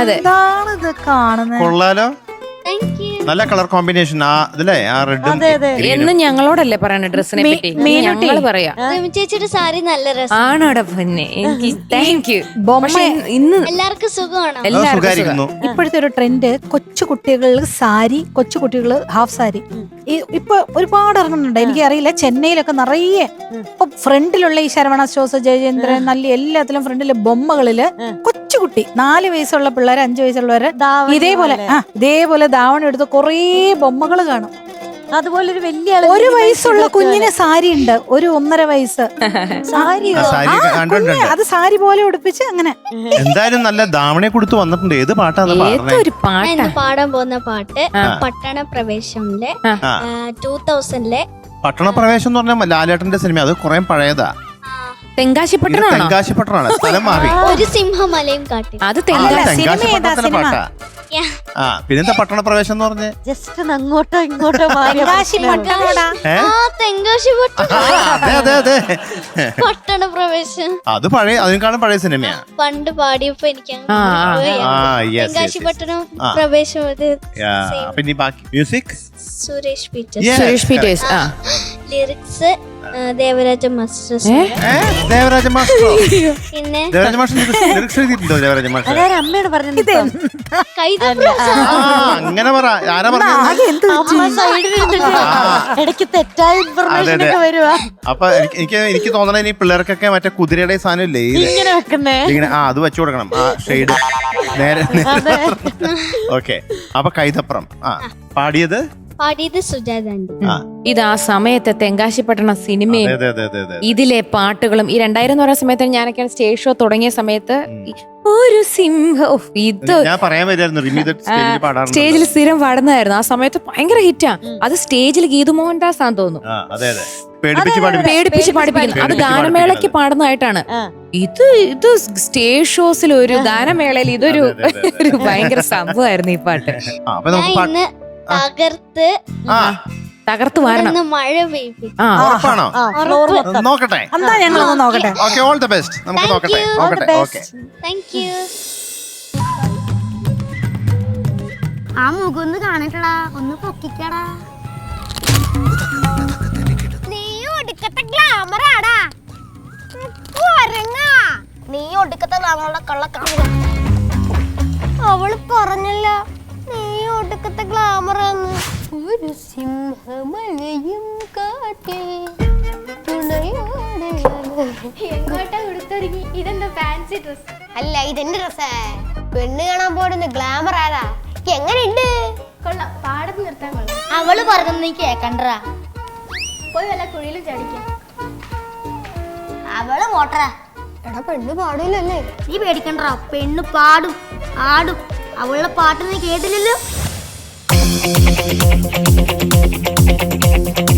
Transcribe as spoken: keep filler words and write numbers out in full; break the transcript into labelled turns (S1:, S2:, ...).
S1: എന്താണ് ഇത് കാണുന്നത്?
S2: കൊള്ളാലോ, നല്ല കളർ കോമ്പിനേഷൻ. ആ ഇതിലെ ആ റെഡും
S3: എന്നും ഞങ്ങളോടല്ലേ പറയണ ഡ്രസ്സിനെ പറ്റി, ഞങ്ങള് പറയാ
S4: ചേച്ചിയുടെ സാരി നല്ല രസം
S3: ആണോടെ പൊന്നെ. എനിക്ക് താങ്ക് യു. പക്ഷെ ഇന്ന്
S4: എല്ലാവർക്കും സുഖമാണോ?
S2: സുഖമായിരിക്കുന്നു.
S1: ഇപ്പോഴത്തെ ഒരു ട്രെൻഡ് കൊച്ചു കുട്ടികൾ സാരി, കൊച്ചു കുട്ടികൾ ഹാഫ് സാരി ഇപ്പൊ ഒരുപാട് ഇറങ്ങുന്നുണ്ട്. എനിക്കറിയില്ല, ചെന്നൈയിലൊക്കെ നിറയെ ഇപ്പൊ ഫ്രണ്ടിലുള്ള ഈ ശരവണ സ്റ്റോഴ്സ്, ജയചന്ദ്രൻ, നല്ല എല്ലാത്തിലും ഫ്രണ്ടിലെ ബൊമ്മകളില് കൊച്ചുകുട്ടി നാല് വയസ്സുള്ള പിള്ളേര്, അഞ്ചു വയസ്സുള്ളവര് ഇതേപോലെ ആ ഇതേപോലെ ധാവണം എടുത്ത് കൊറേ ബൊമ്മകള് കാണും.
S5: അതുപോലെ ഒരു വലിയ
S1: ഒരു വയസ്സുള്ള കുഞ്ഞിന് സാരി ഉണ്ട്, ഒരു ഒന്നര വയസ്സ് സാരി, അത് സാരി പോലെ ഉടുപ്പിച്ച് അങ്ങനെ.
S2: എന്തായാലും നല്ല ധാവണയെ കൊടുത്ത് വന്നിട്ടുണ്ട്. ഏത് പാട്ടാണ്
S3: ഒരു പാട്ട്
S4: പാടാൻ പോകുന്ന പാട്ട് പട്ടണ പ്രവേശമിലെ ടൂ തൗസൻഡിലെ
S2: പട്ടണ പ്രവേശം എന്ന് പറഞ്ഞാൽ ലാലേട്ടന്റെ സിനിമ. അത് കുറെ പഴയതാ.
S3: തെങ്കാശിപ്പട്ടണമാണോ?
S2: തെങ്കാശിപ്പട്ടണമാണ്, സ്ഥലം മാറി.
S4: ഒരു സിംഹമലയും കാട്ടി.
S3: അത്
S2: തെങ്കാശിപ്പട്ടണത്തിന്റെ പാട്ടാ. ആ പിന്നെന്താ പട്ടണ പ്രവേശം എന്ന് പറഞ്ഞേ?
S5: ജസ്റ്റ് അങ്ങോട്ടോ ഇങ്ങോട്ടോ
S2: അതെ അതെ അതെ
S4: പട്ടണ പ്രവേശം
S2: അത് പഴയ, അതിനേക്കാളും പഴയ സിനിമയാ.
S4: പണ്ട് പാടിയപ്പോ എനിക്ക് തെങ്കാശിപ്പട്ടണം
S2: ആ.
S4: പ്രവേശം.
S2: പിന്നെ ബാക്കി മ്യൂസിക്
S4: സുരേഷ് പീറ്റേഴ്സ്,
S3: സുരേഷ് പീറ്റേഴ്സ്. ആ
S4: lyrics Devaraja master.
S2: Devaraja master.
S4: പിന്നെ
S2: ദേവരാജ മാസ്റ്റർ ലിറിക്സ് എഴുതിയിട്ടുണ്ടോ? ദേവരാജ മാസ്റ്റർ
S5: അമ്മയോട് പറഞ്ഞത്
S2: അങ്ങനെ പറ. ആരാ പറഞ്ഞത്?
S5: ഇടയ്ക്ക് തെറ്റായ ഇൻഫർമേഷൻ ഒക്കെ വരുവാ.
S2: അപ്പൊ എനിക്ക് എനിക്ക് തോന്നണ ഇനി പിള്ളേർക്കൊക്കെ മറ്റേ കുതിരയുടെ സാധനം ഇല്ലേ
S5: ഇങ്ങനെ വെക്കുന്നേ,
S2: ഇങ്ങനെ ആ അത് വെച്ചു കൊടുക്കണം. ആ ഷെയ്ഡ് നേരെ. ഓക്കെ, അപ്പൊ കൈതപ്രം. ആ പാടിയത്
S4: പാടിയത് സുജാതാന്റി.
S3: ഇത് ആ സമയത്തെ തെങ്കാശിപ്പട്ടണ സിനിമയും ഇതിലെ പാട്ടുകളും ഈ രണ്ടായിരം എന്ന് പറയുന്ന സമയത്ത് ഞാനൊക്കെയാണ് സ്റ്റേജ് ഷോ തുടങ്ങിയ സമയത്ത് ഒരു സിംഹം ഇത്
S2: ഞാൻ പറയാൻ വരുമായിരുന്നു.
S3: സ്റ്റേജിൽ സ്ഥിരം പാടുന്നതായിരുന്നു. ആ സമയത്ത് ഭയങ്കര ഹിറ്റാ. അത് സ്റ്റേജിൽ ഗീതു മോഹൻദാസ് ആണെന്ന് തോന്നുന്നു പേടിപ്പിച്ച് പാടിപ്പിക്കുന്നു. അത് ഗാനമേളയ്ക്ക് പാടുന്നതായിട്ടാണ്. ഇത് ഇത് സ്റ്റേജ് ഷോസിൽ ഒരു ഗാനമേളയിൽ ഇതൊരു ഒരു ഭയങ്കര സംഭവമായിരുന്നു ഈ പാട്ട്.
S4: തകർത്ത്
S3: തകർത്ത് വരണം.
S4: മഴ പെയ്യും.
S2: നോക്കട്ടെ,
S1: എന്താ ഞങ്ങളൊന്ന് നോക്കട്ടെ.
S2: Okay, all the best. നമുക്ക് നോക്കട്ടെ. നോക്കട്ടെ. Okay,
S4: thank you.
S6: ആ മുഖം ഒന്ന് കാണിട്ടടാ, ഒന്ന് പൊക്കിക്കടാ. നീ ഒടുക്കത്തെ ഗ്ലാമറാടാ. നീ ഒടുക്കത്തെ ഗ്ലാമറുടെ കള്ളക്കാമറ. അവള് പറഞ്ഞല്ല നീ ഒടുക്കത്തെ ഗ്ലാമറാന്ന്. ഒരു സിംഹമലയും കാട്ടി എങ്ങോട്ടാ കൊടുത്തൊരുങ്ങി? ഇതെന്താ ഫാൻസി ഡ്രസ്? അല്ല, ഇതെന്റെ ഡ്രസ്സാ. പെണ്ണ് കാണാൻ പോടുന്ന ഗ്ലാമർ ആരാ? എങ്ങനെയുണ്ട്? കൊള്ളാം, പാടത്ത് നിർത്താൻ കൊള്ളാം. അവള് പറഞ്ഞൊന്നും നീ കേക്കണ്ടാ. പോയി വല്ല കുഴിയിലും ചടിക്കാം. അവള് പോട്ടറാ. എടാ, പെണ്ണ് പാടൂലല്ലേ? നീ പേടിക്കണ്ടാ, പെണ്ണ് പാടും ആടും. അവളുടെ പാട്ട് നീ കേട്ടില്ലല്ലോ.